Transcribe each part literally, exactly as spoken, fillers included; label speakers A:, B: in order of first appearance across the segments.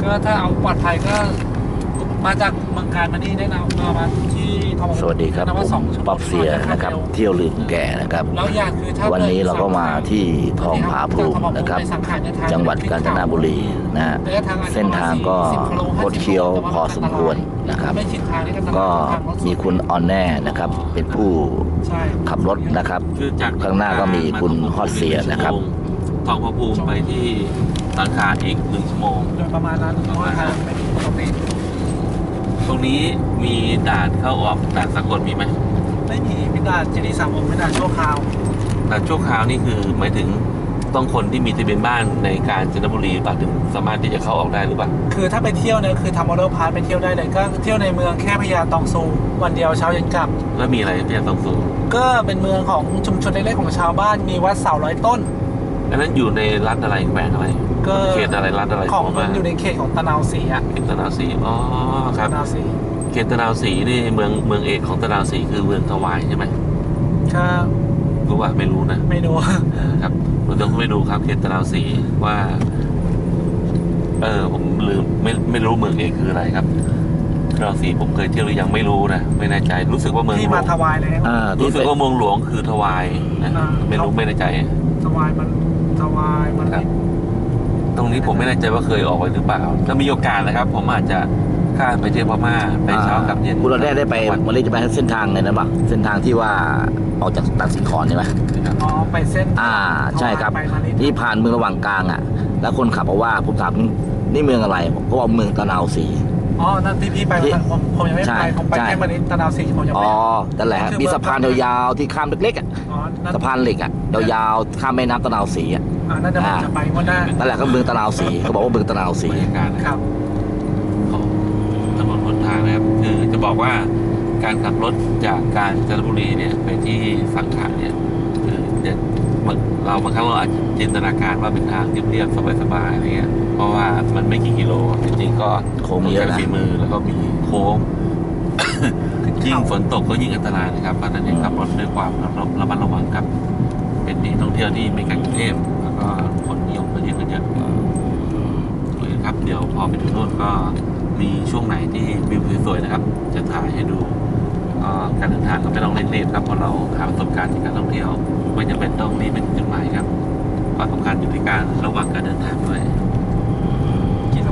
A: ก็ถ้าเอาปลอดภัยก็มาจากเมืองการมานี่ได้นะมามาที่ทบ
B: สวัสดีครับผมป๊อปเซียนะครับเที่ยวลืมแก่นะครับวันนี้เราก็มาที่ทองผาภูมินะครับจังหวัดกาญจนบุรีนะฮะเส้นทางก็คดเคี้ยวพอสมควรนะครับก็มีคุณออนแน่นะครับเป็นผู้ขับรถนะครับข้างหน้าก็มีคุณฮอดเซียนะครับ
C: ทองผาภูมิไปที่สังขารอีกหนึ่งชั่วโมง
A: โดยประมาณนั้นเพราะว่าทางเป็นปกติ
C: ตรงนี้มีด่านเข้าออกด่านสากลมีไหม
A: ไม่มีมีด่านเจดีย์สามองค์ไม่ด่านชั่วคราว
C: ด่านชั่วคราวนี่คือหมายถึงต้องคนที่มีทะเบียนบ้านในกาญจนบุรีป่ะถึงสามารถที่จะเข้าออกได้หรือเปล่า
A: คือถ้าไปเที่ยวเนี่ยคือทำมอเตอร์พาร์ทไปเที่ยวได้เลยก็เที่ยวในเมืองแค่พญาตองซูวันเดียวเช้าเย็นกลับ
C: แล้วมีอะไรพญาตองซู
A: ก็เป็นเมืองของชุมชนเล็กๆของชาวบ้านมีวัดเสาร้อยต้น
C: อันนั้นอยู่ในรัฐอะไรแขวงอะไร
A: ก็
C: เขตอะไรรัฐอะไร
A: ของมันอยู่ในเขตของตะนาวศรีอ่ะ
C: เขตตะนาวศรีอ๋อครับตะนาวศรีเขตตะนาวศรีนี่เมืองเมืองเอกของตะนาวศรีคือเมืองถวายใช่ไหม
A: ครับ
C: รู้ว่าไม่รู้นะ
A: ไม่รู้
C: ครับผมต้องไปดูครับเขตตะนาวศรีว่าเออผมลืมไม่ไม่รู้เมืองเอกคืออะไรครับตะนาวศรีผมเคยเที่ยวหรือยังไม่รู้นะไม่แน่ใจรู้สึกว่าเมือง
A: ที่มาถวายแล้ว
C: รู้สึกว่าเมืองหลวงคือถวายนะไม่รู้ไม่แน่ใจ
A: ถวายมันถวายมัน
C: ตรงนี้ผมไม่แน่ใจว่าเคยออกไปหรือเปล่าถ้ามีโอกาสนะครับผมอาจจะข้ามไปเที่ยวพม่าไปเช้ากับเย็น
B: คุณเราได้ได้ไปมาเลยจะไปเส้นทางเลยนะบักเส้นทางที่ว่าออกจากตัดสินขอนใช่ไหม
A: อ๋อไปเส้น
B: อ่าใช่ครับนี่ผ่านเมืองระหว่างกลางอ่ะแล้วคนขับบอกว่าผมถามนี่เมืองอะไรเขาบอกเมืองตะนาวศรี
A: อ๋อนั่นที่พี่ไปผมผมยังไม่ไปผมไปแค่มานิดตะนาวศรีผมยังไม่
B: อ๋อนั่นแหละมีสะพานยาวๆที่ข้ามเล็กๆอ่ะสะพานเหล็กอ่ะยาวๆข้ามแม่น้ำตะนาวศรีอ่ะ
A: อ่านั่นจะจะไปวันหน้า
B: นั่นแหละก็เมืองตะนาวศรีเขาบอกว่าเมืองตะนาวศรี
A: ครับ
C: ของถนนหนทางนะครับคือจะบอกว่าการขับรถจากกาญจนบุรีเนี่ยไปที่สังขารเนี่ยคือเราบางครั้งเราอาจจะจินตนาการว่าเป็นทางเรียบๆสบายๆอะไรเงี้ยเพราะว่ามันไม่กี่กิโลจริงๆก็
B: โค้งเยอะนะ
C: ฝีมือแล้วก็มีโค้งยิ่งฝนตกก็ยิ่งอันตรายนะครับเพราะฉะนั้นขับรถด้วยความระมัดระวังครับเป็นที่ท่องเที่ยวที่ไม่ไกลกรุงเทพแล้วก็คนนิยมมาเยอะกันเยอะเลยครับเดี๋ยวพอไปถึงโน่นก็มีช่วงไหนที่วิวสวยๆนะครับจะถ่ายให้ดูการเดินทางก็ไม่ต้องเร่งรีบครับเพราะเราหาประสบการณ์ในการท่องเที่ยวไม่จำเป็นต้องรีบเป็นจุดหมายครับความสำคัญอยู่ที่การระวังการเดินทางด้วย
A: กิโล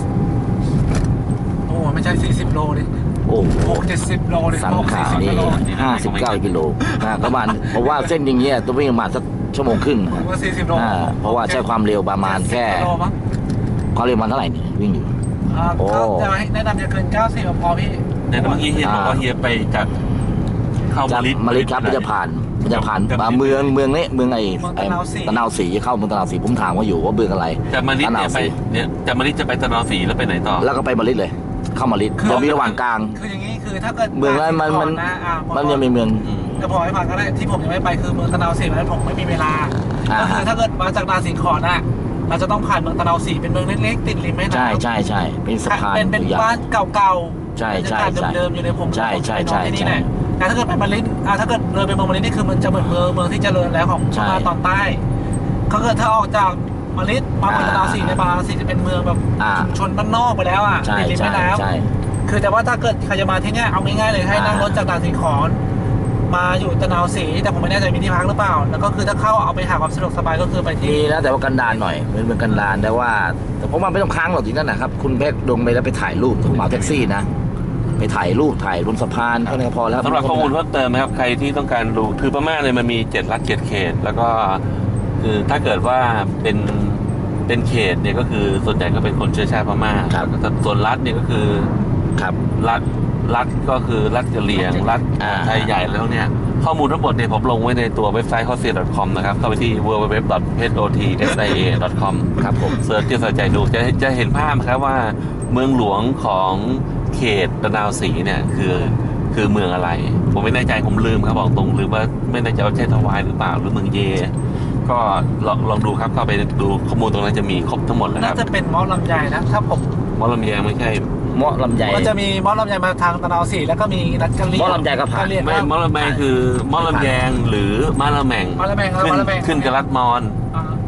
A: โอ้ไม่ใช่สี่สิบโลดิ
B: โอ้โห
A: เจ็ดสิบโลเลย
B: สังขารนี่ห้าสิบเก้ากิโลนะประมาณเพราะว่าเส้นอย่างเงี้ยต้องวิ่งประมาณสักชั่วโมงครึ่ง
A: ว่าสี่สิบโล
B: เพราะว่าใช้ความเร็วประมาณแค่ความเร็วมันเท่าไหร่นี่วิ่งอยู่
A: โอ้จะแนะนำจะเกินเก้าสิบพอพี่
C: แนะนำเมื่อกี้เฮียบอกว่าเฮียไปจากเข้ามาลิ
B: มาลิครับมันจะผ่านมันจะผ่านเมืองเมืองนี้เมืองไอ้ตะนาวศรีเข้าเมืองตะนาวศรีผมถามว่าอยู่ว่าเมืองอะไร
C: จากมาลิเนี่ยไปเนี่ยจากมาลิจะไปตะนาวศรีแล้วไปไหนต่อ
B: แล้วก็ไปมาลิเลยเข้ามาลิเดี๋ยวมีระหว่างกลาง
A: คืออย่างนี้คือถ้าเกิด
B: เมืองนั้นมันมันมันยังมีเมือง
A: จะพอให้ฟังก็ได้ที่ผมยังไม่ไปคือเมืองตะนาวศรีนั้นผมไม่มีเวลาก็คือถ้าเกิดมาจากนาสิงขอนน่ะเราจะต้องผ่านเมืองตะนาวศรีเป็นเมืองเล็กๆติดริมแม่น้ำ
B: ใช่ใช่ใช่เป็นสะพาน
A: เป็นบ้านเก่า
B: ๆใช่ใช่ใช่
A: เดิมๆอยู่ในผม
B: ใช่ใช่ใช่
A: ที่นี่แหละแต่ถ้าเกิดไปมาลินถ้าเกิดเลยไปเมืองมาลินนี่คือมันจะเหมือนเมืองเมืองที่เจริญแล้วของพม่าตอนใต้เขาเกิดถ้าออกจากมาลินมาเมืองตะนาวศรีในบาศรีจะเป็นเมืองแบบชุมชนบ้านนอกไปแล้วอ่ะติดริมแม่น้ำคือแต่ว่าถ้าเกิดใครจะมาที่นี่เอาง่ายๆเลยให้นั่งรถจากด่านสิงขอนมาอยู่ตะนาวศรีแต่ผมไม่แน่ใจมีที่พักหรือเปล่าแล้วก็คือถ้าเข้าเอาไปหาความสะดวกสบายก็คือไปที่
B: นี่นะแต่ว่ากันดารหน่อยเหมือนเมืองกันดารแต่ว่าแต่ผมว่าไม่ต้องค้างหรอกที่นั่นนะครับคุณเพชรลงไปแล้วไปถ่ายรูปผมเอาแท็กซี่นะไปถ่ายรูปถ่ายบนสะพานก็พอแล้ว
C: สำหรับข้อมูลเพิ่มเติมนะครับใครที่ต้องการดูคือพม่าเนี่ยมันมีเจ็ดรัฐเจ็ดเขตแล้วก็คือถ้าเกิดว่าเป็นเป็นเขตเนี่ยก็คือส่วนใหญ่ก็เป็นคนเชื้อชาติพม่าส่วนรัฐเนี่ยก็คือ
B: ครับ
C: รัฐรัฐก็คือรัฐกะเหรี่ยงรัฐไทยใหญ่แล้วเนี่ยข้อมูลทั้งหมดเนี่ยผมลงไว้ในตัวเว็บไซต์ ฮอตเซีย ดอท คอม นะครับเข้าไปที่ ดับเบิลยู ดับเบิลยู ดับเบิลยู ดอท เอช โอ ที เอส ไอ เอ ดอท คอม
B: ครับผม
C: เสิร์ชที่สนใจดูจะจะเห็นภาพครับว่าเมืองหลวงของเขตตะนาวศรีเนี่ยคือคือเมืองอะไรผมไม่แน่ใจผมลืมครับบอกตรงลืมว่าไม่แน่ใจว่าใช่ถวายหรือเปล่าหรือเมืองเยก็ลองลองดูครับเข้าไปดูข้อมูลตรงนั้นจะมีครบทั้งหมดแล้วครับ
A: น่าจะเป็นมอลำไยนะถ้าผม
C: มอลำไยไม่ใช่
B: มอลำไย
A: ก็จะมีมอลำไยมาทางตะนาวศรีแล้วก็มีนัดกันเรียน
B: มอลำไยก็ผ่าน
C: ไม่มอลำไยคือมอลำแยงหรือมะละแมง
A: มะละแมง
C: ขึ้นขึ้นกับรัฐมอญ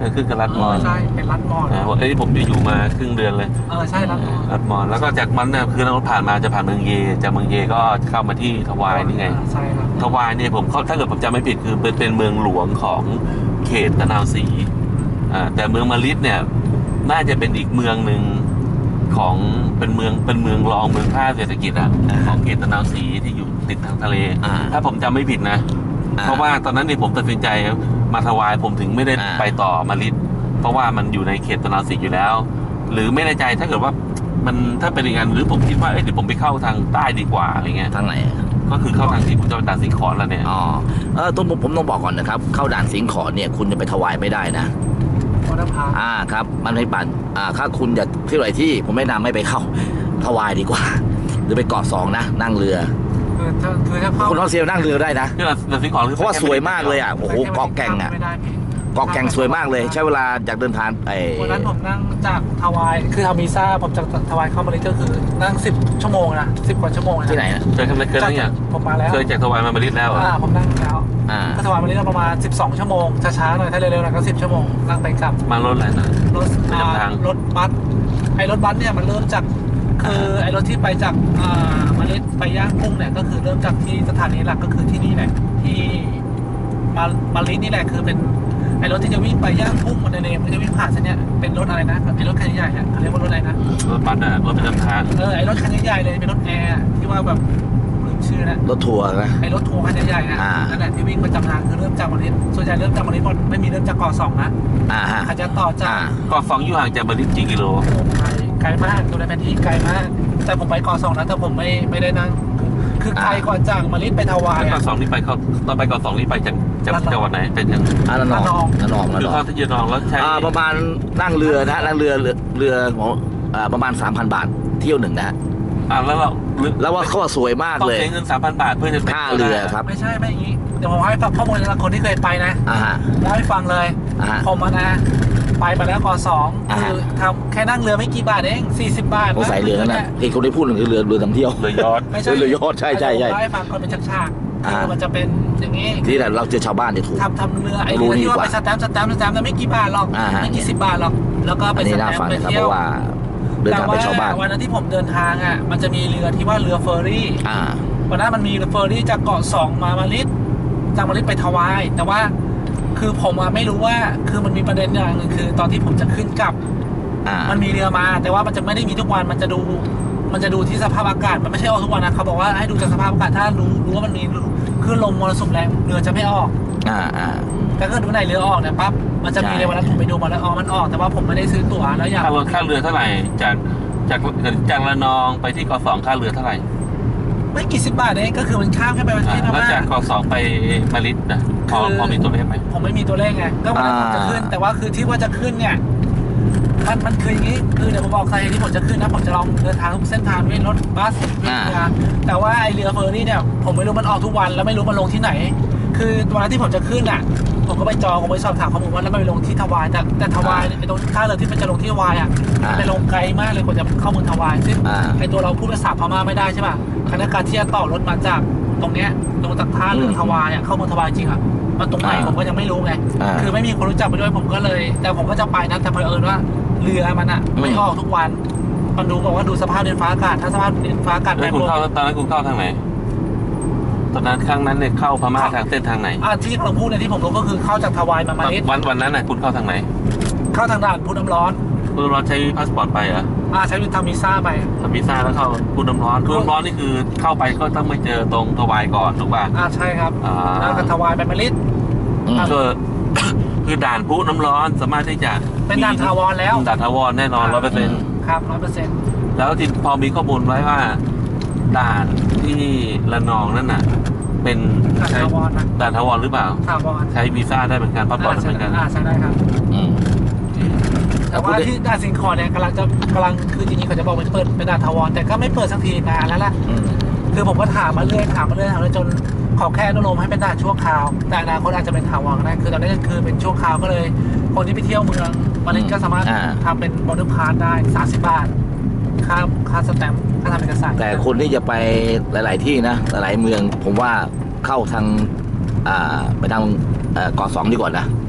C: ขึ้นกับรัดมอน
A: ใช่เป็นรัดมอน
C: อ่าเอ้ยผมจะอยู่มาครึ่งเดือนเลย
A: เออใช่รัดมอน
C: รัดมอนแล้วก็จากมันเนี่ยคือเราผ่านมาจะผ่านเมืองเยจากเมืองเยก็เข้ามาที่ทวายนี่ไง
A: ใช่ครับ
C: ทวายเนี่ยผมเขาถ้าเกิดผมจำไม่ผิดคือเป็นเป็นเมืองหลวงของเขตตะนาวศรีอ่าแต่เมืองมะลิดเนี่ยน่าจะเป็นอีกเมืองหนึ่งของเป็นเมืองเป็นเมืองรองเมืองท่าเศรษฐกิจอ่ะของเขตตะนาวศรีที่อยู่ติดทางทะเล
B: อ่า
C: ถ้าผมจำไม่ผิดนะ
B: อ่า
C: เพราะว่าตอนนั้นเนี่ยผมตัดสินใจมาทวายผมถึงไม่ได้
B: อ่า
C: ไปต่อมะลิดเพราะว่ามันอยู่ในเขตตะนาวศรีอยู่แล้ว หรือไม่แน่ใจถ้าเกิดว่ามันถ้าเป็นอย่างนั้นหรือผมคิดว่าเอ้ยเดี๋ยวผมไปเข้าทางใต้ดีกว่าอะไรเงี้ย
B: ทางไหน
C: ก็คือเข้าทางที่ผมจะไปด่านสิงขอนแล้วเนี่ย
B: อ๋อเออต้องผมต้องบอกก่อนนะครับ เข้าด่านสิงขอนเนี่ยคุณจะไปถวายไม่ได้นะ
A: วอเตอร์พาร์ค
B: อ่าครับมันไม่ปั่นอ่าถ้าคุณจะที่ไหนที่ผมแนะนำไม่ไปเข้าถวายดีกว่า หรือไปเกาะสองนะนั่งเรือ
A: คือถ้าคือถ้าเข้า
B: คุณท่องเที่ยวนั่งเรือได้นะ
C: ที่ด่านสิงขอนคือ
B: เพราะว่าสวยมากเลยอ่ะโอ้โหเกาะแก่งอ่ะ
A: ไม่ได้พี่
B: เกาะแก่งสวยมากเลยใช้เวลาจากเดินทางไอ้
A: วันนั้นผมนั่งจากทวายคือทำวีซ่าผมจากทวายเข้ามาเลยก็คือนั่งสิบชั่วโมงนะสิบกว่าชั่วโมงนะ
B: ที่ไหนนะ
C: เคยทำอะไรเคยนั่งอย่าง
A: ผมมาแล้ว
C: เคยจากทวายมามาลิดแล้วเหรอ
A: อ่าผมนั่งแล้ว
B: อ่า
A: ก็ทวายมาเลยประมาณสิบสองชั่วโมงช้าๆหน่อยถ้าเร็วๆหน่อยก็สิบชั่วโมงนั่งไปกลับ
C: มารถอะไรนะ
A: รถอ่า
C: ประจำทาง
A: รถบัสไอ้รถบัสเนี่ยมันเริ่มจากคือไอ้รถที่ไปจากอ่ามาเลสไปย่างกุ้งเนี่ยก็คือเริ่มจากที่สถานีหลักก็คือที่นี่แหละที่มามาลิสนี่แหละคือเป็นไอ้รถที่จะวิ่งไปย่างกุ้งมันในเนมมันจะวิ่งผ่านเส้นเนี้ยเป็นรถอะไรนะไอ้รถคันใหญ่ๆเนี่ยเขาเรียกว่ารถอะไรนะ
C: รถบัสอ่ะรถประจำทาง
A: เออไอ้รถคันใหญ่ๆเลยเป็นรถแอร์ที่ว่าแบบลืมชื่อนะ
B: รถทัวร์นะ
A: ไอ้รถทัวร์คันใหญ่ๆอ่ะ
B: อ่า
A: นั่นแหละที่วิ่งประจำทางคือเริ่มจากมาเลสส่วนใหญ่เริ่มจากมาเลสไม่มีเริ่มจากเกาะสองนะ
B: อ่าฮะ
A: เขาจะต่อจาก
B: อ่า
C: ก็ฟองอยู่ห่างจากมาลิดกี่กิโล
A: ไกลไกลมากตัวในแผนที่ไกลมาก แต่ผมไปเกาะสองนะแต่ผมไม่ไม่ได้นั่งคือไกลกว่าจากมาลิสไปทวาย
C: แล้วก็
A: อ่ะ
C: สองนี่ไปเขาตอนไปก่อนสองนี่ไปจากจาก
A: ระนอง
C: จังหวัดไหนเป็นยัง
B: อ่าละนองละนองละ
C: คื
B: น
C: อ
B: อง
C: เข้าที่ยนองแล้วใช้
B: อ่าประมาณนั่งเรือนะนั่งเรือเรือเรือของอ่าประมาณสามพันบาทเที่ยวหนึ่งนะฮะ
C: อ่าแล้วเรา
B: แล้วว่าเขาว่าสวยมาก
C: ต้อง
B: เลย
C: ใช้เงินสามพันบาทเพื่อจะไป
B: ค่าเรือครับ
A: ไม่ใช่ไม่อย่างนี้เดี๋ยวผมให้ฟังข้อมูลจากคนที่เคยไปนะ
B: อ่าฮะ
A: เล่าให้ฟังเลย
B: อ่าฮะ
A: ผมอะนะไปมาแล้วเกาะสอง
B: อ่า
A: คือทำแค่นั่งเรือไม่กี่บาทเองสี่สิบบาท
B: ผมใส่เรือนั่นนะไอ้คนที่พูดถึงคือเรือเรือท่องเที่ยว
C: เรือยอด
A: ไม่ใช่
B: เรือยอชต์ใช่ใช่ใช่
A: เล่าให้ฟังก่อนเป็นฉากๆ
B: อ่า
A: คือมันจะเป็นอย่างนี้
B: ที่แหละเราเจอชาวบ้านจะถูก
A: ทำทำเรือไอ้
B: รู้
A: เรือ
B: ดี
A: ที่
B: ก
A: ว่า
B: ว่า
A: ไปสแตมป์สแตมป์สแตมป์แต่ไม่กี่บาทหรอก
B: อ่าฮะ
A: ไม่กี่สิบบาทหรอกแล้วก็ไป
B: อัน
A: ส
B: นี้
A: แต
B: น่าม ฟัง
A: ป์ไป
B: นะครับ
A: เที่
B: เพ
A: ยว
B: ราะว่าเดินทางไปชาวบ้าน
A: แต่วันนั้นที่ผมเดินทางอ่ะมันจะมีเรือที่ว่าเรือเฟอร์รี่
B: อ่า
A: วันนั้นมันมีเฟอร์รี่จากเกาะสองมามาลิสจากมาลิสไปทวาย แต่ว่าคือผมอะไม่รู้ว่าคือมันมีประเด็นอย่างหนึ่งคือ ตอนที่ผมจะขึ้นกลับ
B: อ่า
A: มันมีเรือมา แต่ว่ามันจะไม่ได้มีทุกวันมันจะดู มันจะดูที่สภาพอากาศมันไม่ใช่ออกทุกวันนะเขาบอกว่าให้ดูจากสภาพอากาศถ้ารู้รู้ว่ามันมีคลื่นลมมรสุมแรงเรือจะไม่ออก
B: อ่าอ่า
A: แต่ก็ดูไหนเรือออกเนี่ยปั๊บมันจะมี
B: ใช่
A: ในวันนั้นผมไปดูมาแล้วอ๋อมันออกแต่ว่าผมไม่ได้ซื้อตั๋วแล้วอยาก
C: ค่ารถค่าเรือเท่าไหร่จากจากจากระนองไปที่กสองค่าเรือเท่าไหร่
A: ไม่กี่สิบบาทเองก็คือมันข้ามแค่ไปประเท
C: อ่า
A: ศพ
C: แล้ว
A: ม่า
C: จากกสองไปมาลิดนะพอ
A: คือ
C: พอมีตัวเลขไหม
A: ผมไม่มีตัวเลขไงก็วันนั้นผมจะขึ้น แต่ว่าคือที่ว่าจะขึ้นเนี่ยมันมันคืออย่างนี้คือเดี๋ยวผมบอกสาเหตุที่ผมจะขึ้นนะผมจะลองเดินทางทุกเส้นทางด้วยรถบัสด้วยเรือแต่ว่าไอเรือเฟอร์รี่เนี่ยผมไม่รู้มันออกทุกวันแล้วไม่รู้มันลงที่ไหน คือวันนั้นที่ผมจะขึ้นอ่ะผมก็ไปจองผมไปสอบถามข้อมูลว่าแล้วมันไปลงที่ทวายแต่แต่ทวายไอตรงท่าเรือที่มันจะลงที่ทวายอ่ะมันไปลงไกลมากเลยกว่าจะเข้าเมืองทวายซึ่ง
B: อ่า
A: ไอตัวเราพูดภาษาพม่าไม่ได้ใช่ป่ะคณะการที่จะต่อรถมาจากตรงเนี้ยลงจากท่าเรือทวายอ่ะเข้าเมืองทวายจริงอ่ะมันตรงไหนผมก็ยังไม่รู้ไง
B: อ่า
A: คือไม่มีคนรู้จักไปด้วยผมก็เลย แต่ผมก็จะไปนะแต่เผอิญว่าเรือมันอ่ะ
B: อืม
A: ไม่ออกทุกวันมันดูบอกว่าดูสภาพดินฟ้าอากาศถ้าสภาพดินฟ้าอากาศ
C: แล้
A: แปร
C: ว
A: ป
C: คุ
A: ร
C: ณ
A: วน
C: เข้าตอนนั้นคุณเข้าทางไหนตอนนั้นครั้งนั้นเนี่ยเข้าพม่าทางเส้นทางไหน
A: อ่าที่เราพูดเนี่ยที่ผมรู้ก็คือเข้าจากทวายมามาเลส
C: วันวันนั้นน่ะคุณเข้าทางไหน
A: เข้าทางด่านพุทธน้ำร้อน
C: คุณรถใช้พาสปอร์ตไปเหรอ
A: อ่าใช้วิธีทำวีซ่าไป
C: ทำวีซ่าแล้วเข้าคุณน้ำร้อนคุณน้ำร้อนนี่คือเข้าไปก็ต้องไปเจอตรงทวายก่อนถูกป่ะ
A: อ่าใช่ครับ
C: อ่า
A: แล้วก็ทวายไปมาเลส
B: อืม
C: ก็ คือด่านพุน้ำร้อนสามารถที่จะ
A: เป็นด่านถาวรแล้ว
C: ด่านถาวรแน่นอนร้อยเปอร์เซ็นต์
A: ครับร้อยเปอร์เซ็นต์
C: แล้วที่พอมีข้อมูลไว้ว่า ด่านที่ระนองนั่นน่ะ เป็น
A: ด่าน
C: ใช้
A: ถาวรนะ
C: ด่านถาวรหรือเปล่า
A: ถาวร
C: ใช้วีซ่าได้เหมือนกันพาสปอร์ตได้เหมือนกัน
A: อ่าใช่ได้ครับ
B: อืม
A: แต่ว่าที่ด่านสิงคอร์เนี่ยกำลังจะกำลังคือจริงๆเขาจะบอกว่าจะเปิดเป็นด่านถาวรแต่ก็ไม่เปิดสักทีนานแล้วล่ะ
B: อืม
A: คือผมก็ถามมาเรื่อยถามมาเรื่อยถามมาเรื่อยจนขอแค่อนุโลมให้เป็นด่านชั่วคราวแต่อนาคตอาจจะเป็นถาวรก็ได้คือตอนนี้คือเป็นชั่วคราวก็เลย คนที่ไปเที่ยวเมืองมาเลสก็สามารถ
B: อ่า
A: ทำเป็นบอร์ดพาสได้สามสิบบาทค่าค่าสแตมป์ค่าทำเอกสาร
B: แต่คนที่จะไปหลาย ๆ ที่นะ หลาย ๆ เมือง ผมว่าเข้าทาง อ่า ไปทางเอ่อเกาะสองดีกว่านะ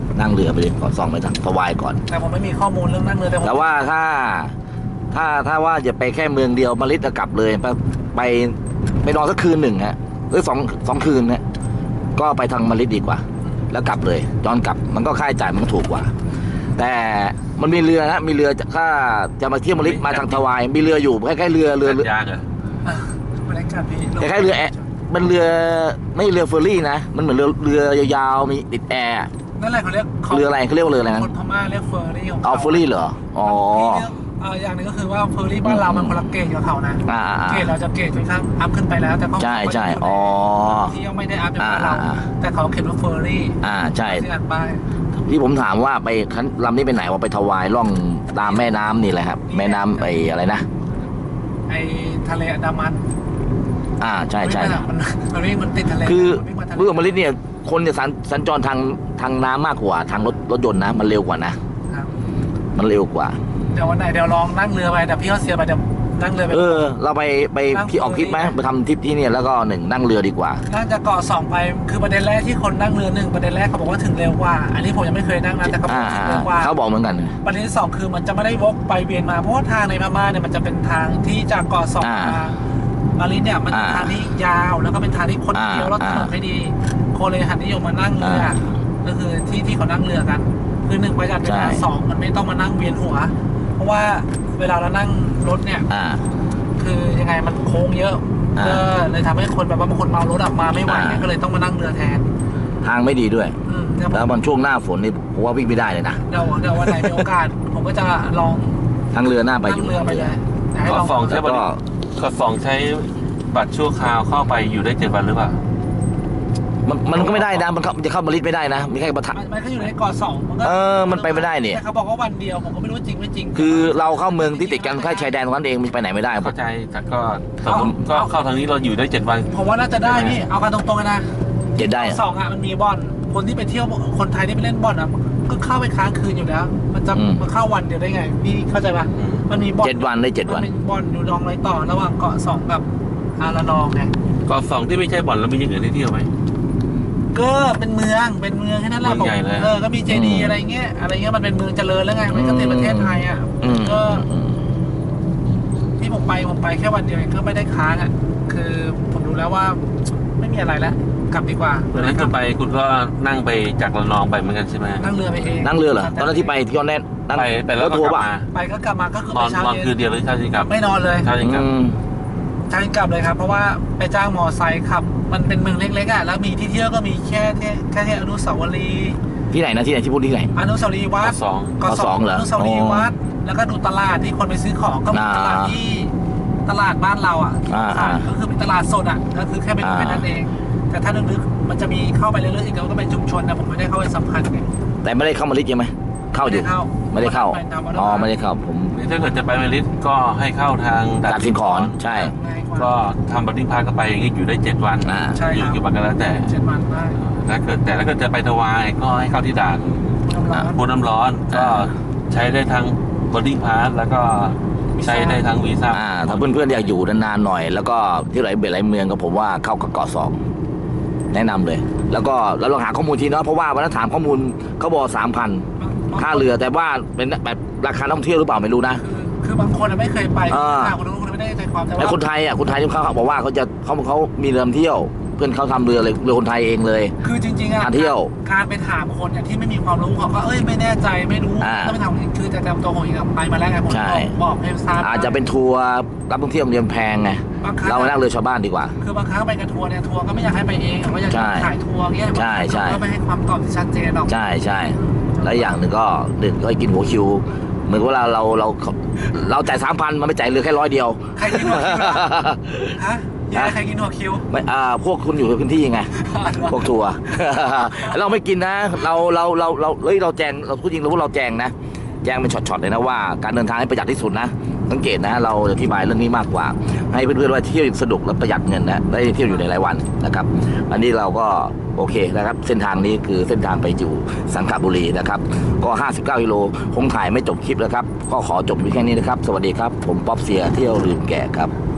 B: นั่งเรือไปเลยก่อนส่องไปทางทวายก่อน
A: แต่ผมไม่มีข้อมูลเรื่องนั่งเรือแต่ผม
B: แต่ว่าถ้าถ้าถ้าว่าจะไปแค่เมืองเดียวมาลิดจะกลับเลยไปไปไปนอนสักคืนหนึ่งฮะหรือสองสองคืนฮะก็ไปทางมาลิดดีกว่า แล้วกลับเลยย้อนกลับมันก็ค่าใช้จ่ายมันก็ถูกกว่า แต่มันมีเรือนะมีเรือถ้าจะมาเที่ยวมาลิดมาทางทวายมีเรืออยู่คล้ายๆเรือเรือ
C: ยากเหรอ
A: อ่ะบรรยากาศดี
B: คล้ายๆเรือแอร์มันเรือไม่เรือเฟอร์รี่นะมันเหมือนเรือเรือยาวๆมีติดแอร์
A: นั่นแหละเขาเรียก
B: เรืออะไรเขาเรียกว่าเรืออะไรนะ
A: คนพม่าเรียกเฟอร์รี่ของ
B: เอาเฟอร์รี่เหรออ๋อ
A: เอออย่างหนึงก็คือว่าเฟอร์รี่บ้านเรามันคนละเกรดกับเขานะ
B: อ่า
A: เกรดเราจะเกรดค่อนข้างอัพขึ้นไปแล้วแต่เขา
B: ใช่ใช่อ๋อ
A: ที่ยังไม่ได้อัพอย่างเรา
B: อ่า
A: แต่เขาเขียนว่าเฟอร์รี่
B: อ่าใช่
A: ที่อ่านป้าย
B: ที่ผมถามว่าไปคันลำนี้ไปไหนว่าไปถวายล่องตามแม่น้ำนี่แหละครับ แม่น้ำไอ้อะไรนะ
A: ไอทะเลอันดามัน
B: อ่าใช่ใช่
A: มันมันวิ่งมันติดทะเล
B: คือ
A: มันวิ่งมาทะเล
B: เรือมาลิดเนี่ยคนจะสัญสัญจรทางทางน้ำมากกว่าทางรถรถยนต์นะ มันเร็วกว่านะ
A: ครับ
B: มันเร็วกว่า
A: เดี๋ยววันไหนเดี๋ยวลองนั่งเรือไปเดี๋ยวพี่เขาเสียไปเดี๋ยวนั่งเรือไป
B: เออ เราไปไป
A: นั่ง
B: ที่ออกทริปไหม
A: เรือ
B: ไปทำทริปที่เนี่ยแล้วก็หนึ่งนั่งเรือดีกว่า
A: น่าจะเกาะสองไปคือประเด็นแรกที่คนนั่งเรือหนึ่งประเด็นแรกเขาบอกว่าถึงเร็วกว่า อันนี้ผมยังไม่เคยนั่งนะแต่เขาบอ
B: อ่าก
A: ถึงเร็วกว่า
B: เขาบอกเหมือนกัน
A: ประเด็นที่สองคือมันจะไม่ได้วกไปเวียนมาเพราะว่าทางในพม่าเนี่ยมันจะเป็นทางที่จากเกาะสอง
B: อ่า
A: มามาลินเนี่ยมันเป็น
B: อ่า
A: ทางที่ยาวแล้วก็เป็นทางที่คน
B: อ่า
A: เที่ยวแล้วถนน
B: อ่า
A: ไม่ดีคนเลยหันนิยมมานั่งเรืออา ก็คือที่ที่เขานั่งเรือกัน คือหนึ่งประหยัดเวลา
B: ใช่
A: สองมันไม่ต้องมานั่งเวียนหัว เพราะว่าเวลาเรานั่งรถเนี่ย
B: อ่า
A: คือยังไงมันโค้งเยอะ
B: อ่า
A: ก็เลยทำให้คนแบบว่าบางคนเมารถออกมาไม่ไหวเนี่ย
B: อ่า
A: ก็เลยต้องมานั่งเรือแทน
B: ทางไม่ดีด้วย
A: อืมเดี๋ยว
B: แล้วมันช่วงหน้าฝนนี่ผมว่าวิ่งไม่ได้เลยนะ
A: เดี๋ยวเดี๋ยววันไหนมีโอกาส ผมก็จะลอง
B: ทางเรือหน้าไปอ
A: นั่
B: ยู่
A: งเรือไปเลยอยากให้
C: เกาะ
A: ลอง
C: สองใช้
B: แล้ว
C: บัต
B: ก็
C: รเกาะสองใช้บัตรชั่วคราวเข้าไปอยู่ได้เจ็ดวันหรือเปล่า
B: มันมันก็ไม่ได้นะมันเข้ามันจะเข้ามาลิดไม่ได้นะมีแค่ประทับ
A: มันมันก็อยู่ในเกาะสองมันก็
B: เออมันไปไม่ได้นี่
A: แต่เขาบอกว่าวันเดียวผมก็ไม่รู้จริงไม่จริง
B: คือเราเข้าเมืองที่ติดกันแค่ชายแดนตรงนั้นเองมันไปไหนไม่ได้
C: เข้าใจแต่ก็สมมติก็เข้าทางนี้เราอยู่ได้เจ็ดวัน
A: ผมว่าน่าจะได้พี่เอากันตรงๆเลยนะ
B: เจ็ดได้
A: สองอ่ะมันมีบ่อนคนที่ไปเที่ยวคนไทยที่ไปเล่นบ่อนอ่ะก็เข้าไปค้างคืนอยู่แล้ว มันจะมาเข้าวันเดียวได้ไงพี่เข้าใจปะมันมีบ่อน
B: เจ็ดวันได้เจ็ดวัน
A: มันมีบ่อนอยู่ดองไรต่อระหว่างเกาะสองกับอาระนองไง
C: เกาะสองที่ไม่ใช่บ่อนแล้วมีอย่างอื่นให้เที่ยวไหม
A: ก็เป็นเมืองเป็นเมืองแค่นั้นแหละ
C: เมืองใหญ่เลย
A: เออก็มีเจดีย์อะไรเงี้ยอะไรเงี้ยมันเป็นเมืองเจริญแล้วไงมันก็ติดประเทศไทยอ่ะ
B: อืม
A: ก็ที่ผมไปผมไปแค่วันเดียวเองก็ไม่ได้ค้างอ่ะคือผมรู้แล้วว่าไม่มีอะไรแล้วกลับดีกว่า
C: ตอนนั้นคุณไปคุณก็นั่งไปจากระนองไปเหมือนกันใช่ไหม
A: นั่งเรือไปเอง
B: นั่งเรือเหรอตอนนั้นที่ไปที่ยอนแน่นนั่ง
C: ไปไปแล้ว
B: รถ
C: ก็
B: ทัว
C: ก
B: ร์
C: ลับ
B: ป่ะ
C: มา
A: ไปก็กลับมาก็คือน
C: อ
A: ไป
C: น
A: เช้าน
C: อน
A: เย็
C: คืน
A: น
C: เดียวหรือเช้าจริงกลับ
A: ไม่นอนเลย
C: เช้าจริงกลับ
B: อืม
A: เช้าเย็นกลับเลยครับ เพราะว่าไปจ้างมอไซค์ขับ มันเป็นเมืองเล็กๆอ่ะแล้วมีที่เที่ยวก็มีแค่ที่แค่ที่อนุสาวรีย์
B: ที่ไหนนะที่ไหนที่พูดที่ไหน
A: อนุสาวรีย์วั
C: เกาะ
A: ด
C: สอง
A: ก็
B: เกาะสองเหรอ
A: อนุสาวรีย์
B: อ๋อ
A: วัดแล้วก็ดูตลาดที่คนไปซื้อของก็มี
B: อ่า
A: ตลาดที่ตลาดบ้านเราอ่ะ
B: อ่าอ่า
A: ก็คือเป็นตลาดสดอ่ะก็คือแค่ไปดู
B: อ่า
A: แค่นั้นเอง แต่ถ้าลึกๆมันจะมีเข้าไปเรื่อยๆอีกแล้วก็เป็นชุมชนนะผมไม่ได้เข้าไปสัมพันธ์ไง
B: แต่ไม่ได้เข้ามาลิดใช่ไหมเข้าอยู่ ไม่ได้เข้า
A: ปตมวัด
B: อ๋อไม่ได้เข้าผม
C: นี่ถ้าเกิดจะไปเมลิสก็ให้เข้าทาง
B: ตัดสินขอนใช่
A: ง่ายกว่า
C: ก็ทำบัตรที่พักก็ไปอย่างนี้อยู่ได้เจ็ดวัน
B: อ่า
A: ใช่
C: อยู่
A: ครับ
C: กี่วันก็แล้วแต่
A: เจ็ดวันได้
C: ถ้าเกิดแต่ถ้าเกิดจะไปถวายก็ให้เข้าที่ด่าน
A: น้ำร้อน
C: พูน้ำร้อนก็ใช้ได้ทั้งบอดดิ้งพาสแล้วก็ใช้ได้ทั้งวีซ่า
B: อ่าถ้าเพื่อนๆอยากอยู่นานๆหน่อย แล้วก็ที่ไหนเบ็ดไหลเมืองก็ผมว่าเข้ากับเกาะสองแนะนำเลย แล้วก็เราลองหาข้อมูลทีเนาะเพราะว่าวันนั้นถามข้อมูลเขาบอกสามพันค่าเรือแต่ว่าเป็นแบบราคาท่องเที่ยวหรือเปล่าไม่รู้นะ
A: คือคือบางคนอะไม่เคยไป
B: อ่า
A: คนนู้นคนนี้ไม่ได้ใจความแต่
B: ไอ้
A: ว่า
B: คนไทยอ่ะคนไทยที่เขาบอกว่าเขาจะเขาเขามีเรือเที่ยว เพื่อนเขาทำเรือเลยเรือคนไทยเองเลย
A: คือจริงๆอะ
B: หาเที่ยว
A: การไปถามคนเนี่ยที่ไม่มีความรู้เขาก็เอ้ยไม่แน่ใจไม่รู้
B: อ่า
A: ต้องไปถามคือแต่จำตัวของเองอะไปมาแล้วไงผม
B: ใช่
A: บอกบอกให้ทราบ
B: อาจจะเป็นทัวร์รับท่องเที่ยวเรียมแพงไง
A: บางครั้ง
B: เรานั่งเรือชาวบ้านดีกว่า
A: คือบางครั้งไปกับทัวร์เนี่ยทัวร์ก็ไม่อยากให้ไปเองว่าอยาก
B: ใช่
A: จะถ่ายทัวร์เงี้ย
B: ใช่ใช่
A: ก็ไม่ให้ความตอบที่ชัดเจนหรอก
B: ใช่ใช่แล้วอย่างหนึ่งก็หนึ่งก็ให้กินหัวคิว เหมือนเวลาเราเราเราจ่ายสามพันมันไม่จ่ายเรือแค่ร้อยเดียว
A: ใครกินหัวคิวล่ะฮะยังไงใครกินหัวคิว
B: ไม่อ่าพวกคุณอยู่ในพื้นที่ไง พวกทัวร์ เราไม่กินนะ เราเราเราเราเฮ้ยเราแจงเราพูดจริงเราพูดเราแจงนะ แจงเป็นช็อตๆเลยนะว่าการเดินทางให้ประหยัดที่สุดนะสังเกตนะ เราอธิบายเรื่องนี้มากกว่า ให้เพื่อนๆว่าเที่ยวสนุกและประหยัดเงินนะได้เที่ยวอยู่ในหลายวันนะครับ อันนี้เราก็โอเคนะครับ เส้นทางนี้คือเส้นทางไปอยู่สังขบุรีนะครับ ก็ห้าสิบเก้ากิโลคงถ่ายไม่จบคลิปแล้วครับ ก็ขอจบไว้แค่นี้นะครับ สวัสดีครับ ผมป๊อปเซียเที่ยวลืมแก่ครับ